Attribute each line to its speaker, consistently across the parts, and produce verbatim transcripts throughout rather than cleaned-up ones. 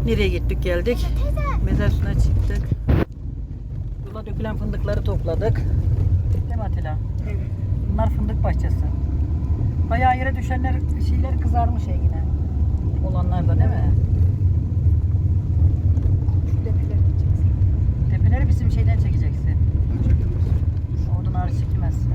Speaker 1: Nereye gittik geldik? Mezar suuna çıktık. Yola dökülen fındıkları topladık. Değil mi Atilla?
Speaker 2: Evet.
Speaker 1: Bunlar fındık bahçesi. Bayağı yere düşenler şeyler kızarmış ya yine. Olanlar da değil mi?
Speaker 2: Şu tepeleri gideceksin.
Speaker 1: Tepeleri bizim şeyden çekeceksin. Oradan ağrı çekemezsin.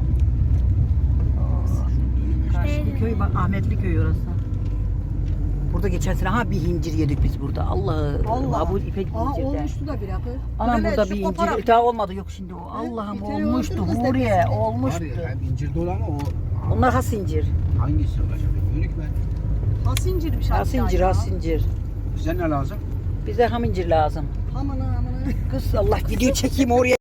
Speaker 1: Karşı köy bak, Ahmetli köy orası. Burada geçen sene ha bir incir yedik biz burada. Allah
Speaker 2: Allah.
Speaker 1: bu ipek
Speaker 2: Aa
Speaker 1: incirde.
Speaker 2: olmuştu da bir akı.
Speaker 1: Anam
Speaker 2: Böyle
Speaker 1: burada
Speaker 2: şu
Speaker 1: bir
Speaker 2: koparak-
Speaker 1: incir daha olmadı yok şimdi o. Allah'ım
Speaker 2: bir kere
Speaker 1: olmuştu
Speaker 2: oldu kız
Speaker 1: Huriye
Speaker 2: tepesinde.
Speaker 1: olmuştu.
Speaker 3: Var ya, hem incir dolu ama o
Speaker 1: Onlar has incir.
Speaker 3: hangisi olacak? Yönük ben.
Speaker 2: Has incirmiş
Speaker 1: Has
Speaker 2: hatta
Speaker 1: incir,
Speaker 2: ya.
Speaker 1: has incir.
Speaker 3: Bize ne lazım?
Speaker 1: Bize ham incir lazım.
Speaker 2: Amına amına.
Speaker 1: Kız Allah video çekeyim oraya.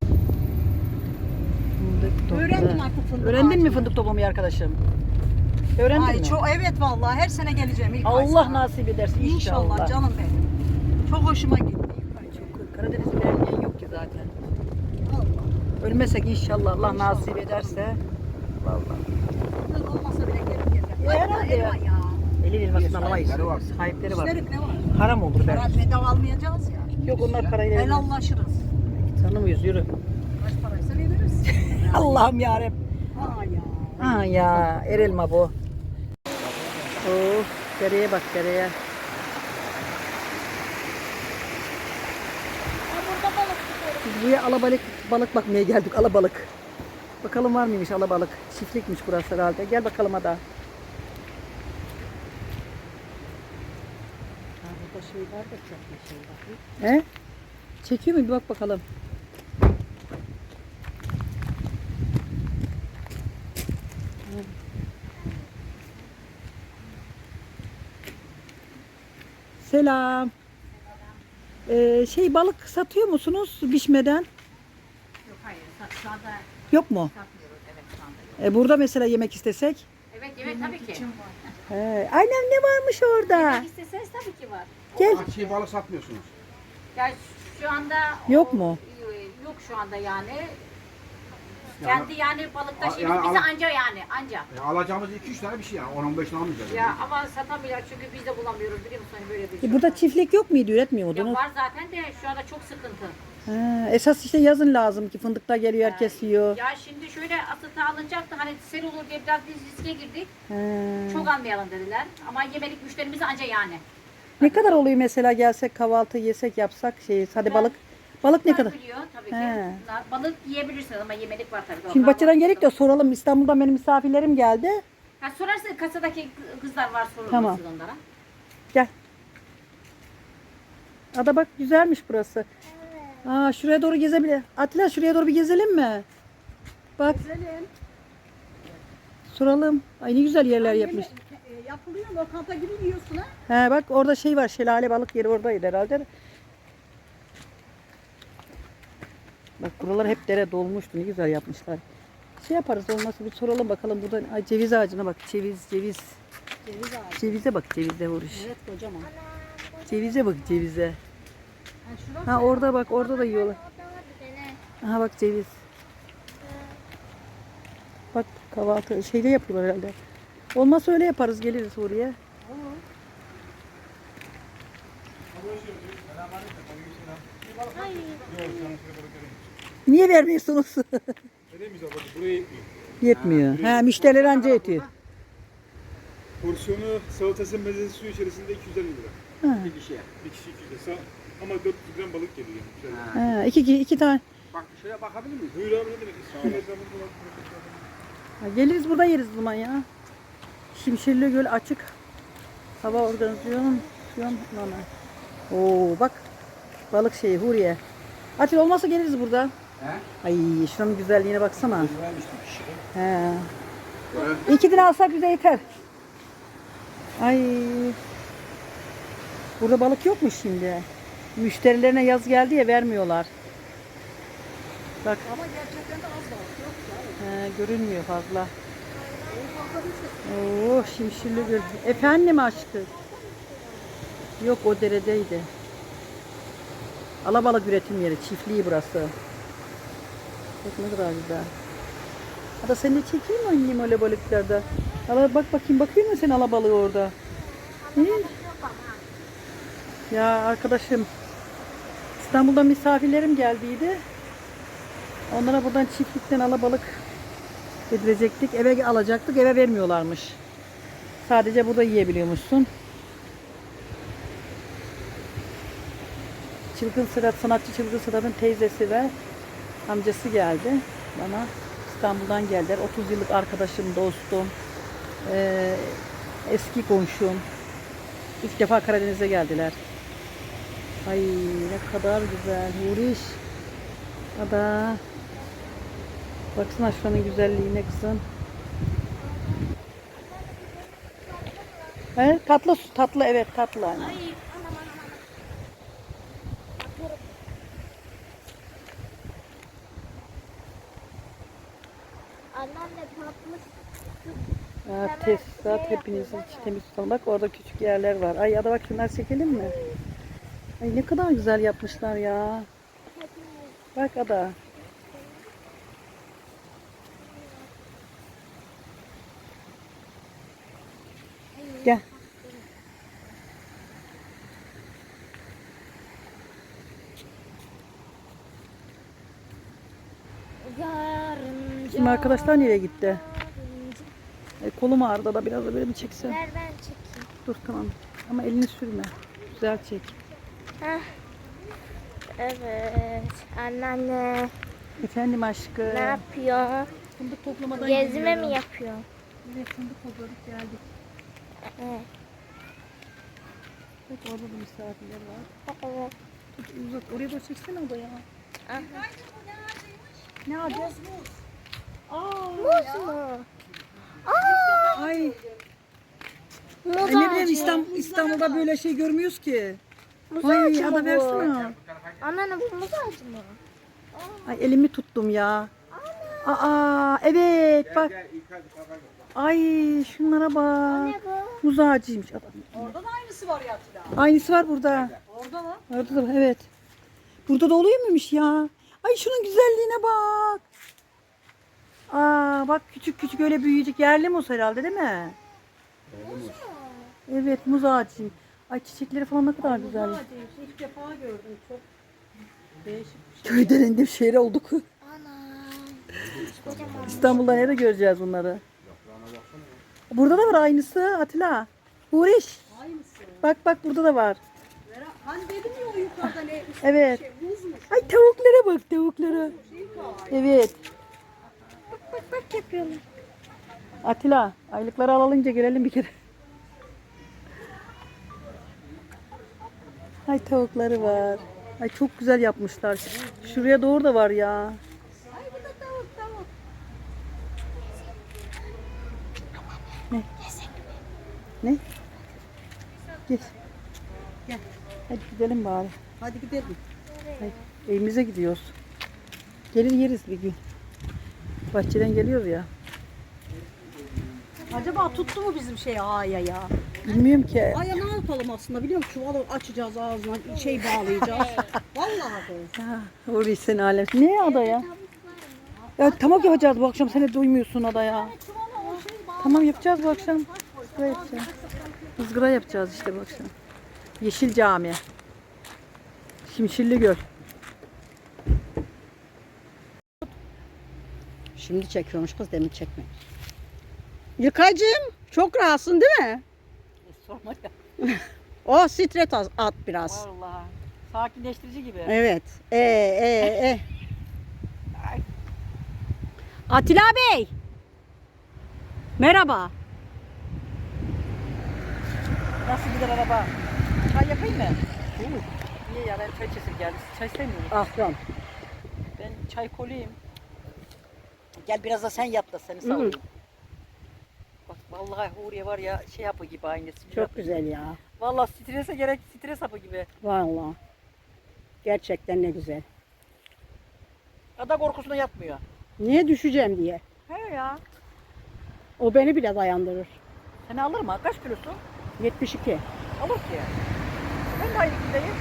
Speaker 1: Fındık topla.
Speaker 2: Öğrendim artık fındık
Speaker 1: Öğrendin mi
Speaker 2: ağacını.
Speaker 1: fındık toplamayı arkadaşım? Öğrendin
Speaker 2: Ay
Speaker 1: mi?
Speaker 2: çok evet vallahi her sene geleceğim ilk ay
Speaker 1: Allah
Speaker 2: sana.
Speaker 1: nasip edersin
Speaker 2: İnşallah
Speaker 1: inşallah.
Speaker 2: canım benim. Çok hoşuma gitti.
Speaker 1: Ay çok Karadeniz'in erkeği yok ki zaten.
Speaker 2: Allah.
Speaker 1: Ölmesek inşallah Allah nasip ederse. Vallahi.
Speaker 2: Fındık olmasa bile gelip geleceğim.
Speaker 1: Ya
Speaker 2: Ay,
Speaker 1: herhalde ya.
Speaker 2: elma ya.
Speaker 1: Elin elmasını alamayız.
Speaker 3: Sahipleri var.
Speaker 1: Sahipleri var.
Speaker 2: İsterik ne var?
Speaker 1: Haram olur
Speaker 2: Para
Speaker 1: belki.
Speaker 2: bedava almayacağız ya.
Speaker 1: Yok onlar parayla vermez.
Speaker 2: Helallaşırız.
Speaker 1: Tanımıyoruz yürü.
Speaker 2: Kaç paraysa veririz.
Speaker 1: Allah'ım yarabbim.
Speaker 2: Aa ya.
Speaker 1: Ha ya er elma bu. Oh dereye bak dereye. Biz buraya alabalık balık bakmaya geldik alabalık. Bakalım var mıymış alabalık. Çiftlikmiş burası herhalde. Gel bakalım hadi.
Speaker 2: Burada şey var da çok bir şey var.
Speaker 1: He? Çekiyor mu bir bak bakalım. Selam. Ee, şey balık satıyor musunuz pişmeden?
Speaker 4: Yok hayır, sa- şu anda
Speaker 1: Yok mu?
Speaker 4: satmıyoruz. Evet şu anda yok.
Speaker 1: E, burada mesela yemek istesek?
Speaker 4: Evet evet tabii ki.
Speaker 1: He. Aynen ne varmış orada?
Speaker 4: Yemek isteseniz tabii ki var.
Speaker 1: Gel.
Speaker 3: O çiğ balık satmıyorsunuz.
Speaker 4: Ya şu anda
Speaker 1: Yok
Speaker 4: o-
Speaker 1: mu?
Speaker 4: Yok şu anda yani.
Speaker 3: Yani-
Speaker 4: Kendi yani balıkta
Speaker 3: A-
Speaker 4: şimdi
Speaker 3: yani
Speaker 4: bize
Speaker 3: al-
Speaker 4: anca yani anca.
Speaker 3: E, alacağımız iki üç tane bir şey yani. on on beş tane almayacağız.
Speaker 4: Ya ama satamıyorlar çünkü biz de bulamıyoruz biliyor musun hani böyle bir
Speaker 1: E,
Speaker 4: şey.
Speaker 1: burada çiftlik yok muydu? Üretmiyor
Speaker 4: Ya
Speaker 1: muydunuz?
Speaker 4: var zaten de şu anda çok sıkıntı.
Speaker 1: Ha, esas işte yazın lazım ki fındıklar geliyor herkes yiyor.
Speaker 4: Ya şimdi şöyle asıta alınacaktı hani sel olur diye biraz biz riske girdik.
Speaker 1: Ha.
Speaker 4: Çok almayalım dediler. Ama yemelik müşterimiz anca yani.
Speaker 1: Ne kadar oluyor mesela gelsek kahvaltı yesek yapsak şey hadi balık. Balık ne
Speaker 4: Bunlar
Speaker 1: kadar?
Speaker 4: biliyor tabii ki.
Speaker 1: He.
Speaker 4: Bunlar balık yiyebilirsiniz ama yemelik var tabii.
Speaker 1: Şimdi
Speaker 4: Onlar
Speaker 1: Bahçeden
Speaker 4: var.
Speaker 1: gerek de soralım. İstanbul'dan benim misafirlerim geldi.
Speaker 4: Ha, sorarsın kasadaki kızlar var sorulur
Speaker 1: Tamam.
Speaker 4: siz onlara.
Speaker 1: Gel. Ada bak güzelmiş burası. Aa şuraya doğru gezebilir. Atilla şuraya doğru bir gezelim mi? Bak
Speaker 2: Güzelim.
Speaker 1: soralım. Ay ne güzel yerler yapmış.
Speaker 2: E, yapılıyor lokanta gibi yiyorsun ha.
Speaker 1: He bak orada şey var. Şelale balık yeri oradaydı herhalde. Bak buralar hep dere dolmuştu. Ne güzel yapmışlar. Şey yaparız olmazsa bir soralım bakalım buradan. Ay ceviz ağacına bak. Ceviz ceviz.
Speaker 2: Ceviz ağacı.
Speaker 1: Cevize bak cevize vuruş.
Speaker 2: Evet kocaman.
Speaker 1: Cevize bak cevize.
Speaker 2: Ha, şurası
Speaker 1: Ha orada bak orada da yiyorlar. Aha bak ceviz. Bak kahvaltı şeyde yapıyorlar herhalde. Olmazsa öyle yaparız geliriz oraya. Niye vermiyorsunuz?
Speaker 5: Veremeyeceğiz abi, buraya yetmiyor.
Speaker 1: Yetmiyor. Ha müşteriler anca yetiyor.
Speaker 5: Porsiyonu salatası mezesi suyu içerisinde iki yüz elli lira.
Speaker 1: Ha.
Speaker 3: Bir kişiye.
Speaker 5: Bir kişi iki yüz lira. Ama dört yüz gram balık geliyor yani. Güzel.
Speaker 1: Ha, iki, iki, iki tane.
Speaker 3: Bak şuraya bakabilir miyiz?
Speaker 5: Buyur abi ne demek? Sağ olun.
Speaker 1: Ha, geliriz burada yeriz o zaman ya. Şimşirli Göl açık. Hava organizasyonu. Oo bak. Balık şeyi Huriye. Atil olmazsa geliriz burada.
Speaker 3: He?
Speaker 1: Ay şuranın güzelliğine baksana.
Speaker 3: Güzelmiş bir kişi.
Speaker 1: He.
Speaker 3: Evet.
Speaker 1: İki lira alsak bize yeter. Ay. Burada balık yok mu şimdi? Müşterilerine yaz geldi ya vermiyorlar. Bak
Speaker 2: ama gerçekten de az balık yok ya.
Speaker 1: he, görünmüyor fazla. Oh Şimşirli Göl. Efendim aşkım. Yok o deredeydi. Alabalık üretim yeri. Çiftliği burası. Bak ne kadar güzel. Hadi seni de çekeyim mi annem öyle balıklarda? Ala bak bakayım bakıyor musun sen alabalığı orada? Hı? Ya arkadaşım, İstanbul'da misafirlerim geldiydi. Onlara buradan çiftlikten alabalık getirecektik. Eve alacaktık. Eve vermiyorlarmış. Sadece burada yiyebiliyormuşsun. Çılgın Sırat, sanatçı Çılgın Sırat'ın teyzesi ve amcası geldi bana. İstanbul'dan geldiler. otuz yıllık arkadaşım, dostum, ee, eski komşum. İlk defa Karadeniz'e geldiler. Ay ne kadar güzel. Huriş. Ada. Baksana şuranın güzelliğine kızım. He, tatlı su, tatlı evet tatlı. Anne.
Speaker 4: Ay
Speaker 6: Anneanne tatlı.
Speaker 1: Ha, tesisat hepiniz için temiz tutalım. Bak orada küçük yerler var. Ay ada bak şunlar çekelim mi? Ay ne kadar güzel yapmışlar ya. Bak ada. Gel.
Speaker 6: Yarınca.
Speaker 1: Şimdi arkadaşlar nereye gitti? Ay, kolum ağrıdı da biraz da böyle mi çekse?
Speaker 6: Ver ben çekeyim.
Speaker 1: Dur tamam. Ama elini sürme. Güzel çek.
Speaker 6: Heh. Evet. Anneanne
Speaker 1: Efendim aşkım.
Speaker 6: ne yapıyor?
Speaker 1: Fındık toplamadan
Speaker 6: Gezme
Speaker 1: geliyorum.
Speaker 6: mi yapıyor?
Speaker 1: Evet fındık topladık geldik.
Speaker 6: Evet.
Speaker 1: Bak orada da misafirler var.
Speaker 6: Evet.
Speaker 1: Tut, uzat. Oraya da çeksene o da ya.
Speaker 6: Aha.
Speaker 1: Ne alacağız?
Speaker 6: Muz mu? Aa,
Speaker 1: Ay.
Speaker 6: muz
Speaker 1: Ay ne bileyim
Speaker 6: ağacı.
Speaker 1: İstanbul, İstanbul'da böyle şey görmüyoruz ki.
Speaker 6: Muz
Speaker 1: Ay
Speaker 6: ağacı mı
Speaker 1: ada
Speaker 6: bu?
Speaker 1: versene.
Speaker 6: Anneanne bu muz ağacı mı?
Speaker 1: Ay elimi tuttum ya. Aa evet bak.
Speaker 3: Gel İlkay baba.
Speaker 1: Ay şunlara bak.
Speaker 6: Ne bu?
Speaker 1: Muz ağacıymış adam.
Speaker 2: Orada da aynısı var ya Atilla.
Speaker 1: Aynısı var burada.
Speaker 2: Orada mı?
Speaker 1: Orada da evet. Burada da oluyor muymuş ya? Ay şunun güzelliğine bak. Aa bak küçük küçük öyle büyüyecek yerli muz herhalde değil mi? Evet muz ağacı. Ay çiçekleri falan ne kadar güzel.
Speaker 2: Ağacıymış. İlk defa gördüm. Çok değişik bir şey.
Speaker 1: Köyden indim şehre olduk.
Speaker 6: Ana. Kocaman.
Speaker 1: İstanbul'da nerede göreceğiz bunları? Burada da var aynısı Atilla. Uğraş.
Speaker 2: Aynısı.
Speaker 1: Bak bak burada da var.
Speaker 2: Vera, hani dedim ya o yukarıda ne? üstü
Speaker 1: Evet.
Speaker 2: Şey, buzmuş.
Speaker 1: Ay tavuklara bak tavuklara.
Speaker 2: Şey var.
Speaker 1: Evet.
Speaker 6: Bak bak yapıyorlar.
Speaker 1: Atilla aylıkları alınca gelelim bir kere. Ay tavukları var. Ay çok güzel yapmışlar. Şuraya doğru da var ya.
Speaker 2: Ay bu da tavuk tavuk.
Speaker 1: Ne? Gel. Gel. Hadi gidelim bari.
Speaker 2: Hadi gidelim.
Speaker 1: Hadi. Evimize gidiyoruz. Gelin yeriz bir gün. Bahçeden geliyoruz ya.
Speaker 2: Acaba tuttu mu bizim şey aya ya?
Speaker 1: Bilmiyorum ki.
Speaker 2: Aya ne yapalım aslında biliyor musun? Çuvalı açacağız ağzına şey bağlayacağız. Vallahi bu.
Speaker 1: Ya, orayı sen alem. Ne ada ya? Ya tamam yapacağız bu akşam. Sen de duymuyorsun ada ya.
Speaker 2: Çuvala o şey bağlı.
Speaker 1: Tamam yapacağız bu akşam. Izgara yapacağız. Izgara yapacağız işte bu akşam. Yeşil Cami. Şimşirli Göl.
Speaker 2: Şimdi çekiyormuş kız demin çekmemiş. Yıkacığım çok rahatsın değil mi?
Speaker 1: Sorma ya.
Speaker 2: O stres at, at biraz.
Speaker 1: Vallahi. Sakinleştirici gibi.
Speaker 2: Evet. E e e. Atilla Bey. Merhaba.
Speaker 1: Nasıl gider araba? Çay yapayım mı? Niye ya ben çay içesim geldi. Çay sevmiyorum.
Speaker 2: Afyon.
Speaker 1: Ben çay koluyum. Gel biraz da sen yap da seni
Speaker 2: Hı.
Speaker 1: savunayım. Bak vallahi Huriye var ya şey hapı gibi aynısı.
Speaker 2: Çok güzel ya.
Speaker 1: Vallahi strese gerek stres hapı gibi.
Speaker 2: Vallahi. Gerçekten ne güzel.
Speaker 1: Ada korkusuna yatmıyor.
Speaker 2: Niye düşeceğim diye.
Speaker 1: He ya.
Speaker 2: O beni bile dayandırır.
Speaker 1: Seni alır mı? Kaç kilosun?
Speaker 2: yetmiş iki.
Speaker 1: Alır ki. Ben de aynı kilodayım.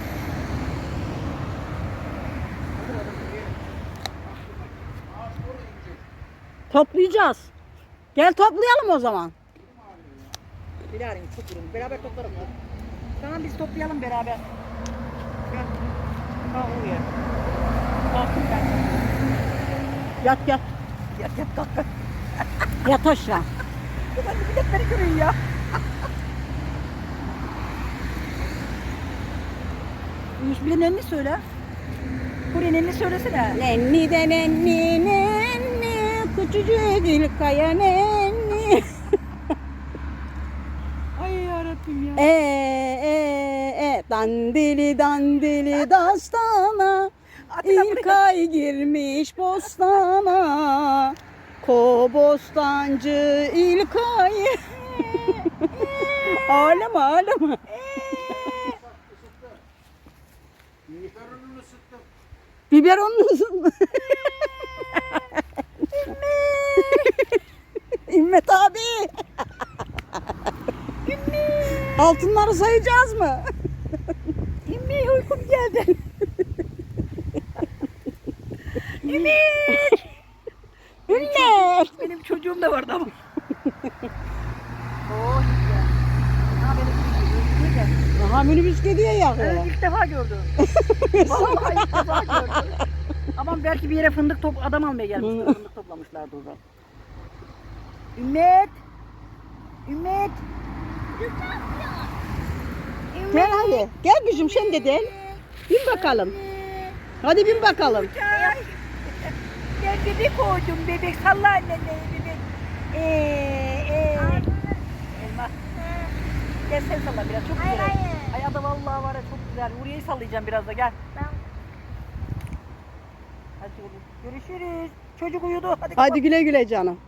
Speaker 2: Toplayacağız. Gel toplayalım o zaman.
Speaker 1: Bilal'im çok durum. Beraber toplarım. Tamam biz toplayalım beraber. Gel. Kalk oraya. Kalkın ben.
Speaker 2: Yat yat.
Speaker 1: Yat yat kalk. kalk.
Speaker 2: Yat aşağı.
Speaker 1: Ulan biletleri görün ya. Yusuf'un elini söyle. Kur'an'ın elini söylesene.
Speaker 2: Nenni de nenni nenni. Küçücük İlkay'a nenni.
Speaker 1: Ay yarabbim ya.
Speaker 2: E e e dandili dandili dastana. İlkay girmiş bostana. Kobostancı İlkay. Ağlama ağlama.
Speaker 3: Biberonunu ısıttım.
Speaker 2: Biberonunu ısıtma. İmmet abi. Altınları sayacağız mı?
Speaker 1: İmmi uykum geldi.
Speaker 2: Ümmet. Ümmet.
Speaker 1: Benim çocuğum da vardı ama. Oh ya. Ha benim çocuğum. Niye geldi?
Speaker 2: Aha minibüs gidiyor ya.
Speaker 1: Evet, ilk defa gördüm. Vallahi ilk defa gördüm. Aman belki bir yere fındık top adam almaya gelmişler. Fındık toplamışlardı orada. Ümmet. Ümmet.
Speaker 2: Gel hadi. Gel kızım sen de gel. Bin bakalım. Hadi bin bakalım.
Speaker 1: Ay. Ben bebek oldum bebek. Salla annene bebek. Ee, ee. Elma. Gel sen salla biraz çok
Speaker 6: Hayır,
Speaker 1: güzel.
Speaker 6: hayır.
Speaker 1: Ay ada vallahi var ya çok güzel. Huriye'yi sallayacağım biraz da gel.
Speaker 6: Ben
Speaker 1: Hadi oğlum. Görüşürüz. Çocuk uyudu. Hadi,
Speaker 2: Hadi güle güle canım.